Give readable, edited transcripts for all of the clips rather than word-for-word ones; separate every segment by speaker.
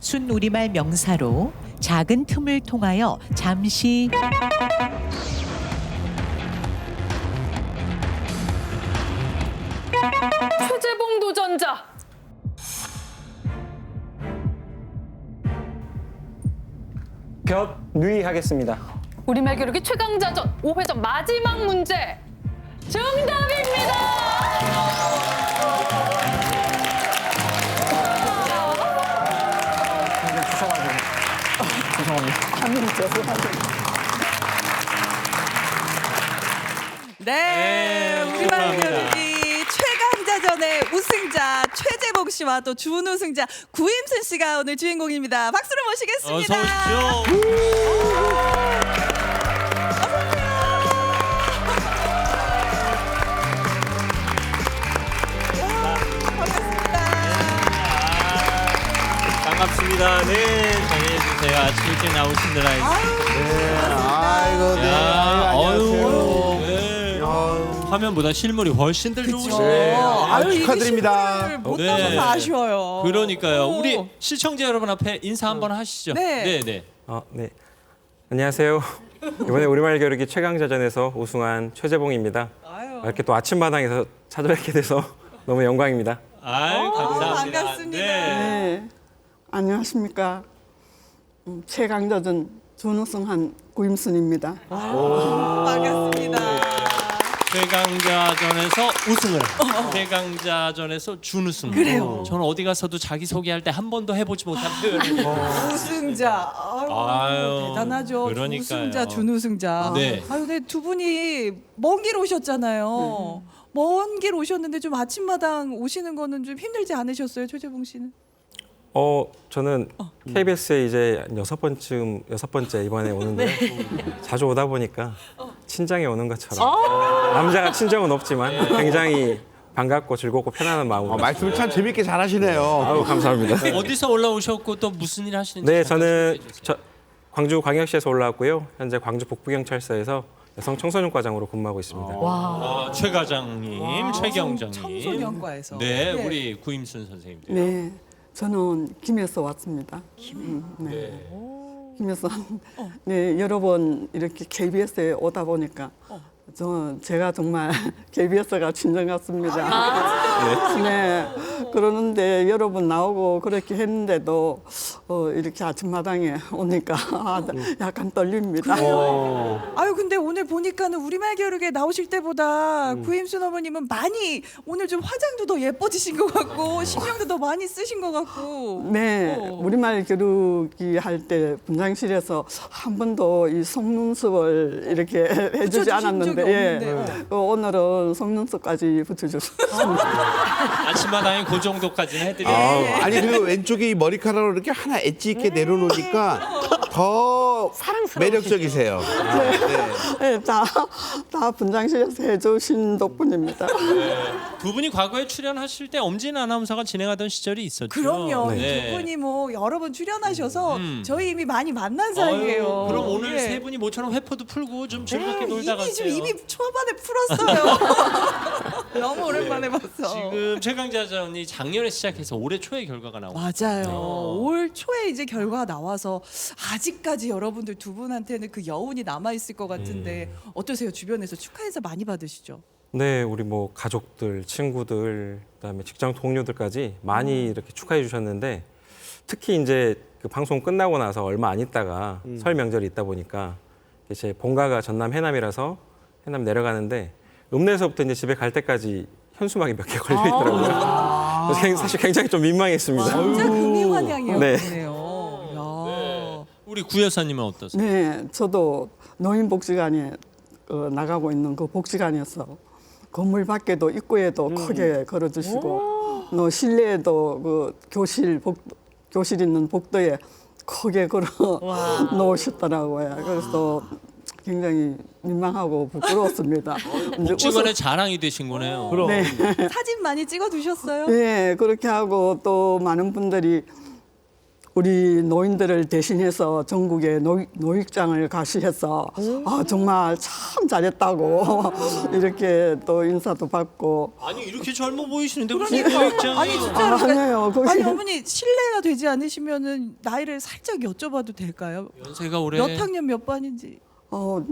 Speaker 1: 순우리말 명사로 작은 틈을 통하여 잠시
Speaker 2: 최재봉 도전자.
Speaker 3: 겹누이하겠습니다.
Speaker 2: 우리말 겨루기 최강자전 5회전 마지막 문제. 정답입니다.
Speaker 4: 네, 우리말 겨루기 최강자전의 우승자 최재봉 씨와 또 준우승자 구임순 씨가 오늘 주인공입니다. 박수로 모시겠습니다.
Speaker 5: 어서 오십시오. 반갑습니다. 네, 전해주세요. 아침 일찍 나오신들
Speaker 6: 아이고, 네. 안녕하세요.
Speaker 5: 네. 화면보다 실물이 훨씬 더 좋으시네요.
Speaker 6: 네.
Speaker 4: 아유, 이게
Speaker 6: 축하드립니다.
Speaker 4: 실물을 못
Speaker 5: 네.
Speaker 4: 나서서 아쉬워요.
Speaker 5: 그러니까요.
Speaker 4: 오.
Speaker 5: 우리 시청자 여러분 앞에 인사 한번 하시죠.
Speaker 4: 네.
Speaker 5: 네.
Speaker 3: 네. 안녕하세요. 이번에 우리말 겨루기 최강자전에서 우승한 최재봉입니다.
Speaker 4: 아유.
Speaker 3: 이렇게 또 아침마당에서 찾아뵙게 돼서 너무 영광입니다.
Speaker 5: 아유, 감사합니다.
Speaker 4: 반갑습니다.
Speaker 5: 네.
Speaker 7: 네, 안녕하십니까. 최강자전 준우승한 구임순입니다.
Speaker 4: 반갑습니다.
Speaker 5: 최강자전에서 우승을, 최강자전에서 준우승.
Speaker 4: 그래요.
Speaker 5: 저는 어디 가서도 자기 소개할 때 한 번도 해보지 못한 표현을.
Speaker 4: 우승자. 아유, 대단하죠.
Speaker 5: 그러니까요.
Speaker 4: 우승자, 준우승자.
Speaker 5: 네.
Speaker 4: 아유, 근데 두 분이 먼 길 오셨잖아요. 먼 길 오셨는데 좀 아침마당 오시는 거는 좀 힘들지 않으셨어요, 최재봉 씨는?
Speaker 3: 저는 KBS에 이제 여섯 번째 이번에 오는데 자주 오다 보니까 친정에 오는 것처럼 남자가 친정은 없지만 굉장히 반갑고 즐겁고 편안한 마음으로.
Speaker 6: 말씀을 참 재밌게 잘하시네요.
Speaker 3: 아유, 감사합니다.
Speaker 5: 어디서 올라오셨고 또 무슨 일 하시는지.
Speaker 3: 네,
Speaker 5: 잠깐
Speaker 3: 저는
Speaker 5: 소개해 주세요.
Speaker 3: 광주 광역시에서 올라왔고요. 현재 광주 북부경찰서에서 여성 청소년과장으로 근무하고 있습니다.
Speaker 5: 최 과장님, 최 경장님.
Speaker 4: 청소년과에서.
Speaker 5: 네,
Speaker 4: 네.
Speaker 5: 우리 구임순 선생님.
Speaker 7: 네, 저는 김에서 왔습니다. 네. 김에서 네, 여러 번 이렇게 KBS에 오다 보니까 제가 정말 KBS가 친정 같습니다. 네. 그러는데 여러 번 나오고 그렇게 했는데도 이렇게 아침마당에 오니까 약간 떨립니다.
Speaker 4: 아유, 근데 오늘 보니까는 우리말 겨루기에 나오실 때보다 구임순 어머님은 많이 오늘 좀 화장도 더 예뻐지신 것 같고 신경도 더 많이 쓰신 것 같고.
Speaker 7: 네, 우리말 겨루기 할 때 분장실에서 한 번도 이 속눈썹을 이렇게 해주지
Speaker 4: 붙여주신
Speaker 7: 않았는데,
Speaker 4: 적이
Speaker 7: 예,
Speaker 4: 없는데.
Speaker 7: 오늘은 속눈썹까지 붙여줬습니다.
Speaker 5: 아침마당에 그 정도까지는 해드려요.
Speaker 6: 아니 그리고 왼쪽에 이 머리카락을 이렇게 하나 엣지 있게 내려놓으니까 더 매력적이세요. 네.
Speaker 7: 네, 다 분장실에서 해주신 덕분입니다.
Speaker 5: 두 분이 과거에 출연하실 때 엄진 아나운서가 진행하던 시절이 있었죠.
Speaker 4: 그럼요.
Speaker 5: 네.
Speaker 4: 두 분이 뭐 여러 번 출연하셔서 저희 이미 많이 만난 사이예요.
Speaker 5: 아유, 그럼 오늘
Speaker 4: 예.
Speaker 5: 세 분이 모처럼 회포도 풀고 좀 즐겁게 놀다
Speaker 4: 이미 좀
Speaker 5: 가세요.
Speaker 4: 이미 초반에 풀었어요. 너무 오랜만에 봤어.
Speaker 5: 지금 최강자전이 작년에 시작해서 올해 초에 결과가 나오고
Speaker 4: 맞아요. 올 초에 이제 결과가 나와서 아직까지 여러분들 두 분한테는 그 여운이 남아 있을 것 같은데 어떠세요? 주변에서 축하해서 많이 받으시죠?
Speaker 3: 네, 우리 뭐 가족들, 친구들, 그다음에 직장 동료들까지 많이 이렇게 축하해 주셨는데 특히 이제 그 방송 끝나고 나서 얼마 안 있다가 설 명절이 있다 보니까 제 본가가 전남 해남이라서 해남 내려가는데 읍내에서부터 이제 집에 갈 때까지 현수막이 몇 개 걸려 있더라고요. 그래서 사실 굉장히 좀 민망했습니다.
Speaker 4: 진짜 금이환영이었네요.
Speaker 5: 우리 구 여사님은 어떠세요?
Speaker 7: 네, 저도 노인복지관에 나가고 있는 그 복지관에서 건물 밖에도 입구에도 크게 걸어주시고 또 실내에도 그 교실 있는 복도에 크게 걸어 놓으셨더라고요. 그래서 굉장히 민망하고 부끄러웠습니다.
Speaker 5: 복지관의 자랑이 되신 거네요.
Speaker 7: 네.
Speaker 4: 사진 많이 찍어 두셨어요?
Speaker 7: 네, 그렇게 하고 또 많은 분들이 우리 노인들을 대신해서 전국에 노익장을 가시해서 정말 참 잘했다고 이렇게 또 인사도 받고.
Speaker 5: 아니 이렇게 젊어 보이시는데 무슨
Speaker 4: 그러니까
Speaker 5: 노익장이
Speaker 4: 아니 진짜로
Speaker 7: 아니에요. 거기-
Speaker 4: 아니 어머니 실례가 되지 않으시면은 나이를 살짝 여쭤봐도 될까요?
Speaker 5: 연세가 올해
Speaker 4: 몇 학년 몇 반인지.
Speaker 7: 어,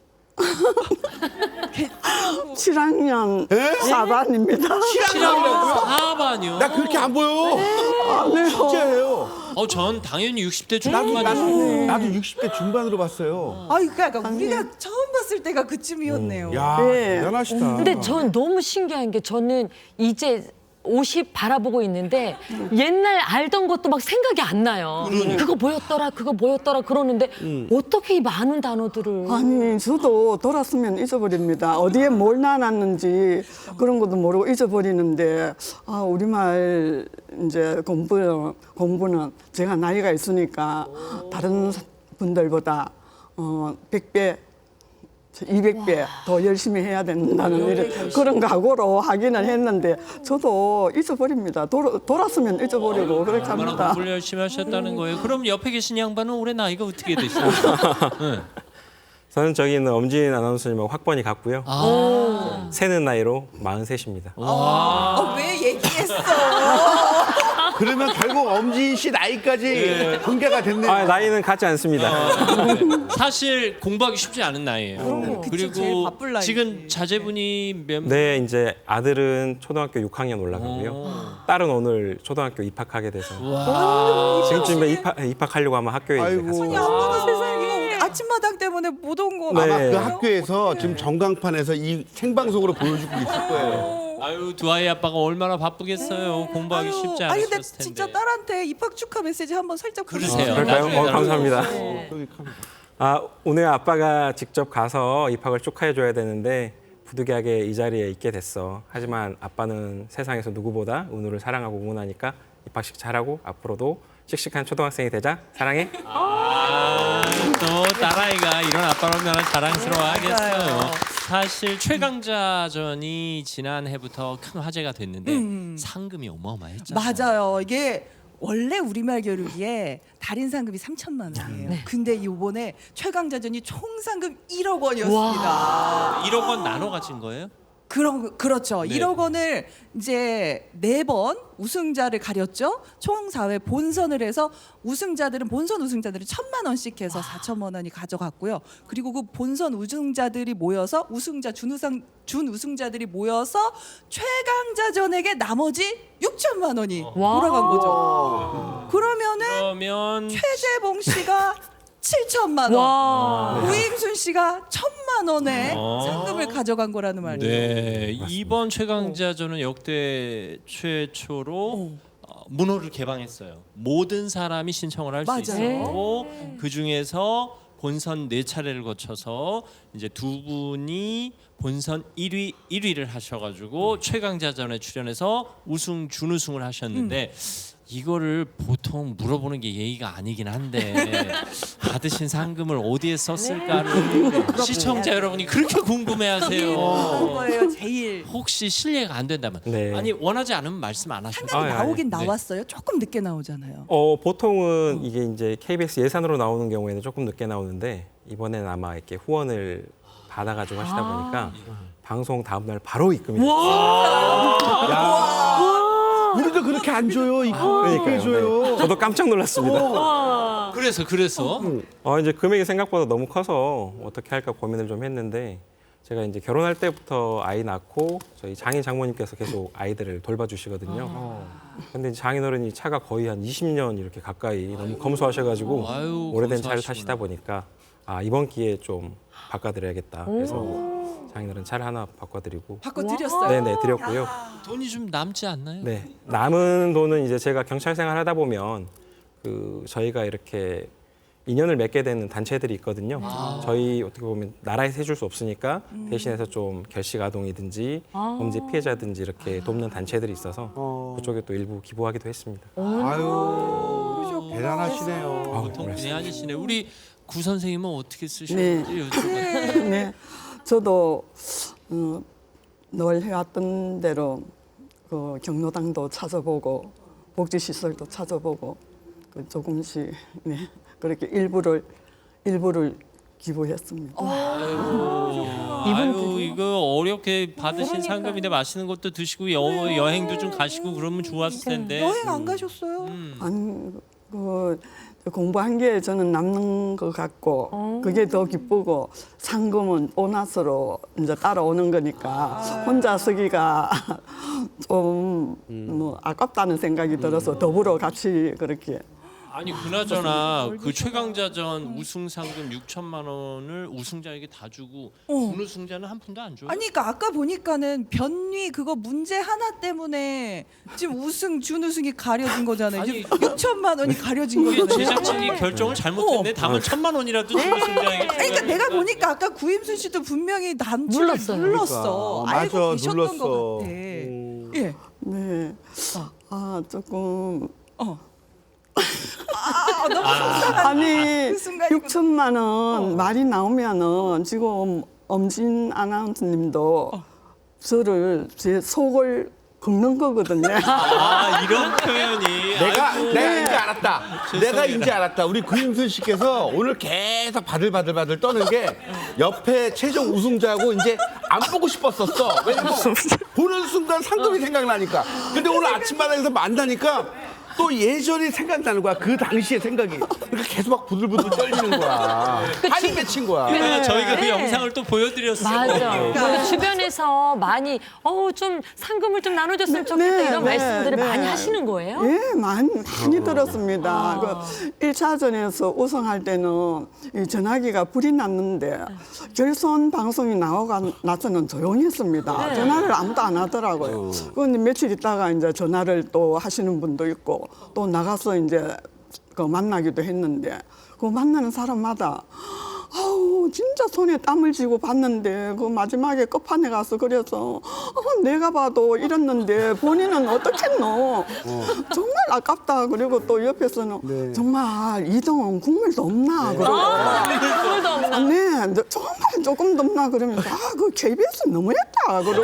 Speaker 7: 7학년 4반입니다.
Speaker 5: 7학년 4반이요.
Speaker 6: 나 그렇게 안 보여. 진짜예요.
Speaker 5: 전 당연히 60대
Speaker 6: 나도
Speaker 5: 중반이죠.
Speaker 6: 나도 60대 중반으로 봤어요.
Speaker 4: 아이 그러니까 우리가 처음 봤을 때가 그쯤이었네요.
Speaker 6: 야,
Speaker 7: 네.
Speaker 6: 대단하시다.
Speaker 8: 근데 전 너무 신기한 게 저는 이제 50 바라보고 있는데 옛날 알던 것도 막 생각이 안 나요. 그거 뭐였더라 그러는데 어떻게 이 많은 단어들을
Speaker 7: 아니 저도 돌았으면 잊어버립니다. 어디에 뭘 나눴는지 그런 것도 모르고 잊어버리는데 우리말 이제 공부는 제가 나이가 있으니까 다른 분들보다 100배 200배 더 열심히 해야 된다는 그런 각오로 하기는 했는데 저도 잊어버립니다. 돌았으면 잊어버리고 그렇게
Speaker 5: 얼마나
Speaker 7: 합니다.
Speaker 5: 공부를 열심히 하셨다는 거예요. 그럼 옆에 계신 양반은 올해 나이가 어떻게 되시나요? 네.
Speaker 3: 저는 저기 있는 엄진 아나운서님하고 학번이 같고요. 새는 나이로 43입니다.
Speaker 4: 왜 얘기했어?
Speaker 6: 그러면 결국 엄지인 씨 나이까지 공개가 됐네요.
Speaker 3: 아, 나이는 같지 않습니다.
Speaker 5: 사실 공부하기 쉽지 않은 나이예요.
Speaker 4: 그치, 제일
Speaker 5: 그리고
Speaker 4: 바쁠 나이지.
Speaker 5: 지금 자제분이 몇
Speaker 3: 네, 이제 아들은 초등학교 6학년 올라가고요. 딸은 오늘 초등학교 입학하게 돼서 지금쯤에 입학하려고 아마 학교에 이제
Speaker 6: 아이고.
Speaker 3: 갔을
Speaker 4: 아니
Speaker 3: 거예요.
Speaker 4: 아빠가 세상에 이거 우리 아침마당 때문에 못 온 거.
Speaker 3: 네.
Speaker 6: 아마 그
Speaker 4: 아니에요?
Speaker 6: 학교에서 지금 전광판에서 이 생방송으로 보여주고 있을 거예요.
Speaker 5: 아유 두 아이 아빠가 얼마나 바쁘겠어요. 공부하기
Speaker 4: 아유,
Speaker 5: 쉽지
Speaker 4: 아니 근데
Speaker 5: 않으셨을 텐데.
Speaker 4: 진짜 딸한테 입학 축하 메시지 한번 살짝
Speaker 5: 그러세요.
Speaker 4: 보내주세요.
Speaker 3: 그럴까요?
Speaker 5: 나중에
Speaker 3: 감사합니다.
Speaker 6: 여기 카메라.
Speaker 3: 오늘 아빠가 직접 가서 입학을 축하해 줘야 되는데 부득이하게 이 자리에 있게 됐어. 하지만 아빠는 세상에서 누구보다 은우를 사랑하고 응원하니까 입학식 잘하고 앞으로도 씩씩한 초등학생이 되자. 사랑해.
Speaker 5: 또 딸아이가 이런 아빠를 얼마나 자랑스러워하겠어요.
Speaker 4: 맞아요.
Speaker 5: 사실 최강자전이 지난해부터 큰 화제가 됐는데 상금이 어마어마했잖아요.
Speaker 4: 맞아요. 이게 원래 우리말 겨루기에 달인 상금이 3천만 원이에요. 근데 이번에 최강자전이 총 상금 1억 원이었습니다.
Speaker 5: 1억 원 나눠 가진 거예요?
Speaker 4: 그렇죠.
Speaker 5: 네.
Speaker 4: 1억 원을 이제 4번 우승자를 가렸죠. 총 4회 본선을 해서 본선 우승자들은 1,000만 원씩 해서 4천만 원이 가져갔고요. 그리고 그 본선 우승자들이 모여서 준우승자들이 모여서 최강자전에게 나머지 6천만 원이 돌아간 거죠. 그러면 최재봉 씨가 7천만 원, 우임순 씨가 1,000만 원의 상금을 가져간 거라는 말이에요.
Speaker 5: 네, 이번 최강자전은 역대 최초로 문호를 개방했어요. 모든 사람이 신청을 할 수
Speaker 4: 맞아요.
Speaker 5: 있었고 그 중에서 본선 4차례를 거쳐서 이제 두 분이 본선 1위를 하셔가지고 최강자전에 출연해서 우승 준우승을 하셨는데. 이거를 보통 물어보는 게 예의가 아니긴 한데 받으신 상금을 어디에 썼을까를 시청자 여러분이 그렇게 궁금해하세요.
Speaker 4: 거예요, 제일.
Speaker 5: 혹시 실례가 안 된다면
Speaker 3: 네.
Speaker 5: 아니 원하지 않으면 말씀 안 하셔도
Speaker 4: 화면에
Speaker 3: 아,
Speaker 4: 나오긴
Speaker 5: 네.
Speaker 4: 나왔어요. 조금 늦게 나오잖아요.
Speaker 3: 보통은 이게 이제 KBS 예산으로 나오는 경우에는 조금 늦게 나오는데 이번에는 아마 이렇게 후원을 받아가지고 하시다 보니까 방송 다음 날 바로 입금이 됐어요.
Speaker 6: 우리도 그렇게 안 줘요. 이거
Speaker 3: 그러니까요.
Speaker 6: 해줘요.
Speaker 3: 네. 저도 깜짝 놀랐습니다.
Speaker 5: 그래서
Speaker 3: 이제 금액이 생각보다 너무 커서 어떻게 할까 고민을 좀 했는데 제가 이제 결혼할 때부터 아이 낳고 저희 장인 장모님께서 계속 아이들을 돌봐주시거든요. 근데 이제 장인어른이 차가 거의 한 20년 이렇게 가까이 너무 검소하셔가지고
Speaker 5: 아유,
Speaker 3: 오래된 차를
Speaker 5: 검소하시구나.
Speaker 3: 타시다 보니까 이번 기회에 좀 바꿔드려야겠다. 그래서 장인어른 차를 하나 바꿔드리고
Speaker 4: 바꿔드렸어요.
Speaker 3: 네네 드렸고요.
Speaker 5: 돈이 좀 남지 않나요?
Speaker 3: 네 남은 돈은 이제 제가 경찰 생활하다 보면 저희가 이렇게 인연을 맺게 되는 단체들이 있거든요. 저희 어떻게 보면 나라에서 해줄 수 없으니까 대신해서 좀 결식 아동이든지 범죄 피해자든지 이렇게 돕는 단체들이 있어서 그쪽에 또 일부 기부하기도 했습니다.
Speaker 6: 아유, 대단하시네요.
Speaker 5: 보통 분이 아니시네. 우리 구 선생님은 어떻게 쓰셨는지 여쭤봐요.
Speaker 7: 네, 저도 늘 해왔던 대로 그 경로당도 찾아보고 복지시설도 찾아보고 그 조금씩 네, 그렇게 일부를 기부했습니다.
Speaker 5: 아유 이거 어렵게 받으신 상금인데 맛있는 것도 드시고 여행도 좀 가시고 그러면 좋았을 텐데.
Speaker 4: 여행 안 가셨어요?
Speaker 7: 아니 그 공부한 게 저는 남는 것 같고 그게 더 기쁘고 상금은 보너스로 이제 따라오는 거니까 혼자 쓰기가 좀 뭐 아깝다는 생각이 들어서 더불어 같이 그렇게.
Speaker 5: 아니 그나저나 그 최강자전 우승 상금 6천만 원을 우승자에게 다 주고 준우승자는 한 푼도 안 줘요?
Speaker 4: 아니 그러니까 아까 보니까는 변위 그거 문제 하나 때문에 지금 우승 준우승이 가려진 거잖아요.
Speaker 5: 아니,
Speaker 4: 6천만 원이 가려진
Speaker 5: 이게
Speaker 4: 거잖아요.
Speaker 5: 제작진이 결정을 잘못했네. 다음은 1,000만 원이라도 준우승자에게.
Speaker 4: 그러니까 내가 보니까 아까 구임순 씨도 분명히 남친을
Speaker 8: 눌렀어요.
Speaker 4: 눌렀어.
Speaker 6: 그러니까.
Speaker 4: 알고
Speaker 6: 맞아,
Speaker 4: 계셨던
Speaker 6: 눌렀어.
Speaker 4: 것 같아. 예.
Speaker 7: 네. 아 조금
Speaker 4: 너무 속상한
Speaker 7: 아니
Speaker 4: 그 순간이구나.
Speaker 7: 6천만 원 말이 나오면은 지금 엄진 아나운서님도 저를 제 속을 긁는 거거든요.
Speaker 5: 아 이런 표현이.
Speaker 6: 내가
Speaker 5: 아이고.
Speaker 6: 이제 알았다.
Speaker 5: 죄송해요.
Speaker 6: 내가 이제 알았다. 우리 구임순 씨께서 오늘 계속 바들바들 떠는 게 옆에 최종 우승자하고 이제 안 보고 싶었었어. 왜냐면 보는 순간 상금이 생각나니까. 근데 오늘 아침마당에서 만나니까 또 예전이 생각나는 거야. 그 당시의 생각이. 그러니까 계속 막 부들부들 떨리는 거야. 한이 맺힌 거야.
Speaker 5: 그래서 저희가 그 영상을 또 보여드렸어요.
Speaker 8: 맞아. 그 주변에서 많이 좀 상금을 좀 나눠줬으면 좋겠다 이런 말씀들을 많이 하시는 거예요?
Speaker 7: 예, 많이 들었습니다. 그 1차전에서 우승할 때는 이 전화기가 불이 났는데 결선 방송이 나서는 조용히 했습니다. 전화를 아무도 안 하더라고요. 그런데 며칠 있다가 이제 전화를 또 하시는 분도 있고 또 나가서 이제 그 만나기도 했는데 그 만나는 사람마다 아우 진짜 손에 땀을 쥐고 봤는데 그 마지막에 끝판에 가서 그래서 내가 봐도 이랬는데 본인은 어떻겠노 정말 아깝다. 그리고 또 옆에서는 정말 이동은 국물도 없나 그러고
Speaker 8: 국물도 없나?
Speaker 7: 네 정말 조금 더 없나 그러면서 그 KBS 너무했다 그러고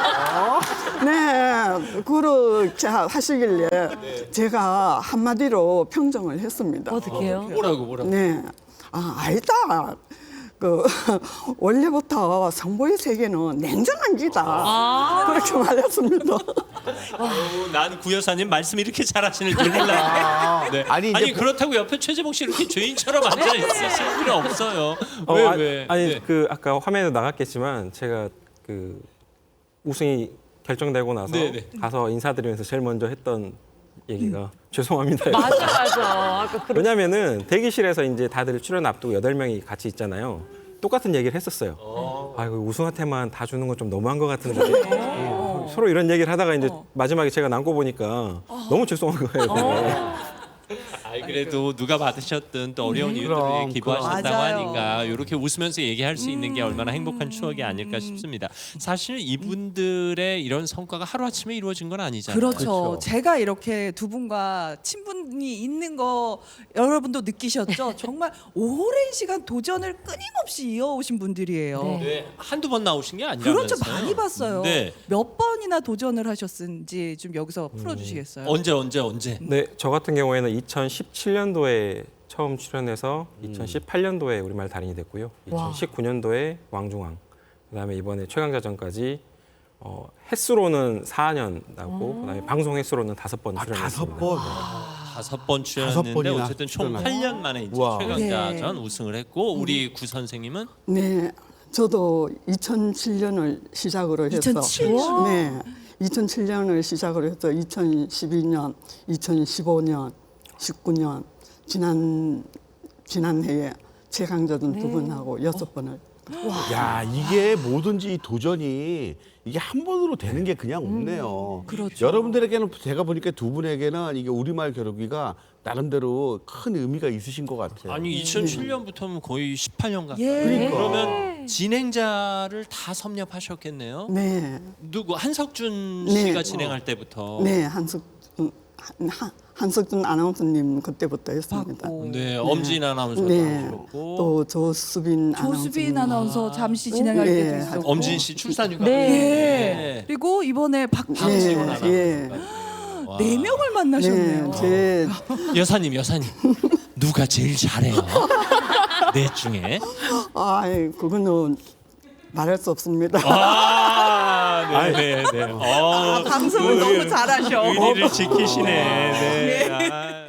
Speaker 7: 네 그렇게 하시길래 제가 한마디로 평정을 했습니다.
Speaker 8: 어떻게요?
Speaker 5: 뭐라고?
Speaker 7: 네. 아니다. 그 원래부터 성보의 세계는 냉정한 기다. 그렇게 말했습니다.
Speaker 5: 난 구여사님 말씀 이렇게 잘하시는 줄 몰라. 네.
Speaker 6: 아니,
Speaker 5: 아니
Speaker 6: 이제
Speaker 5: 그렇다고 옆에 최재봉 씨 이렇게 죄인처럼 앉아 있으실 필요 없어요. 왜?
Speaker 3: 아니
Speaker 5: 네.
Speaker 3: 그 아까 화면에 나갔겠지만 제가 그 우승이 결정되고 나서 가서 인사드리면서 제일 먼저 했던 얘기가 죄송합니다.
Speaker 8: 맞아. 아까
Speaker 3: 왜냐면은 대기실에서 이제 다들 출연 앞두고 8명이 같이 있잖아요. 똑같은 얘기를 했었어요. 아, 이거 우승한테만 다 주는 건 좀 너무한 것 같은데. 서로 이런 얘기를 하다가 이제 마지막에 제가 남고 보니까 너무 죄송한 거예요.
Speaker 5: 아이 그래도 누가 받으셨든 또 어려운 이유들을
Speaker 6: 그럼,
Speaker 5: 기부하셨다고
Speaker 4: 맞아요.
Speaker 5: 하니까 이렇게 웃으면서 얘기할 수 있는 게 얼마나 행복한 추억이 아닐까 싶습니다. 사실 이분들의 이런 성과가 하루아침에 이루어진 건 아니잖아요.
Speaker 4: 그렇죠. 제가 이렇게 두 분과 친분이 있는 거 여러분도 느끼셨죠? 정말 오랜 시간 도전을 끊임없이 이어오신 분들이에요.
Speaker 5: 네, 한두 번 나오신 게 아니라면서요.
Speaker 4: 그렇죠. 많이 봤어요.
Speaker 5: 네.
Speaker 4: 몇 번이나 도전을 하셨는지 좀 여기서 풀어주시겠어요?
Speaker 5: 언제?
Speaker 3: 네, 저 같은 경우에는 2017년도에 처음 출연해서 2018년도에 우리말 달인이 됐고요. 2019년도에 왕중왕, 그다음에 이번에 최강자전까지 횟수로는 4년 나고 그다음에 방송 횟수로는 5번 출연했습니다.
Speaker 6: 5번.
Speaker 5: 5번 출연했는데
Speaker 6: 번이나
Speaker 5: 어쨌든 총
Speaker 6: 출연하고.
Speaker 5: 8년 만에 이제
Speaker 6: 우와.
Speaker 5: 최강자전 우승을 했고 우리 구 선생님은
Speaker 7: 네, 저도 2007년을 시작으로 해서
Speaker 4: 2007년?
Speaker 7: 네, 2007년을 시작으로 해서 2012년, 2015년, 19년 지난해에 최강자전 2번하고 6번을
Speaker 6: 야, 이게 뭐든지 이 도전이 이게 한 번으로 되는 게 그냥 없네요.
Speaker 4: 그렇죠.
Speaker 6: 여러분들에게는 제가 보니까 두 분에게는 이게 우리말 겨루기가 나름대로 큰 의미가 있으신 것 같아요.
Speaker 5: 아니 2007년부터는 거의 18년 가까이.
Speaker 4: 예.
Speaker 6: 그러니까.
Speaker 5: 그러면 진행자를 다 섭렵하셨겠네요.
Speaker 7: 네,
Speaker 5: 누구 한석준
Speaker 7: 네.
Speaker 5: 씨가 진행할 때부터.
Speaker 7: 네 한석준 아나운서님 그때부터 했습니다.
Speaker 4: 받고.
Speaker 5: 네, 엄진 아나운서도
Speaker 7: 네,
Speaker 5: 하셨고.
Speaker 7: 또 조수빈
Speaker 4: 조수빈
Speaker 7: 아나운서님.
Speaker 4: 아나운서 잠시 진행할
Speaker 7: 예.
Speaker 4: 때도 있었고.
Speaker 5: 엄진 씨 출산휴가.
Speaker 4: 네.
Speaker 5: 네.
Speaker 4: 그리고 이번에 박지원
Speaker 5: 박지원
Speaker 7: 예,
Speaker 5: 아나운서.
Speaker 7: 예.
Speaker 5: 와.
Speaker 4: 네 명을 만나셨네요.
Speaker 7: 제
Speaker 5: 여사님 누가 제일 잘해요? 넷 중에.
Speaker 7: 그거는 말할 수 없습니다.
Speaker 5: 네네네.
Speaker 4: 방송을 너무 잘하셔.
Speaker 5: 의리를 지키시네. 네.